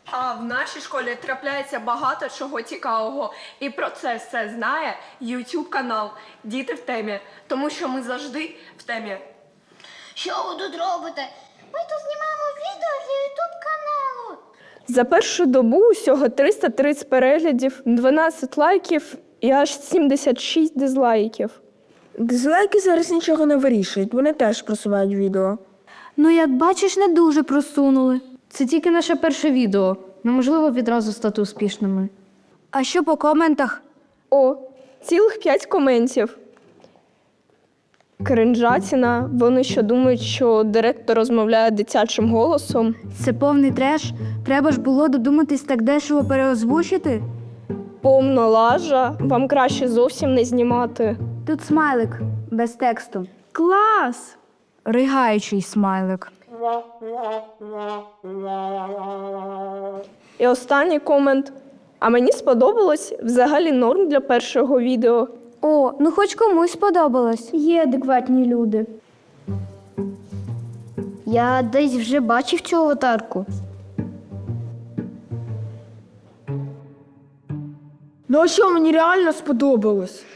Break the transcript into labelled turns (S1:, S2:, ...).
S1: А в нашій школі трапляється багато чого цікавого. І про це все знає YouTube канал «Діти в темі». Тому що ми завжди в темі.
S2: Що ви тут робите? Ми тут знімаємо відео для YouTube каналу.
S1: За першу добу усього 330 переглядів, 12 лайків і аж 76 дизлайків.
S3: Дизлайки зараз нічого не вирішують, вони теж просувають відео.
S4: Ну, як бачиш, не дуже просунули. Це тільки наше перше відео. Неможливо відразу стати успішними. А що по коментах?
S1: О, цілих 5 коментів. Кринжатіна. Вони що думають, що директор розмовляє дитячим голосом?
S4: Це повний треш. Треба ж було додуматись так дешево переозвучити.
S1: Повна лажа. Вам краще зовсім не знімати.
S4: Тут смайлик без тексту.
S1: Клас!
S4: Ригаючий смайлик.
S1: І останній комент. А мені сподобалось, взагалі норм для першого відео.
S4: О, ну хоч комусь сподобалось.
S5: Є адекватні люди.
S2: Я десь вже бачив цю аватарку.
S3: Ну а що, мені реально сподобалось?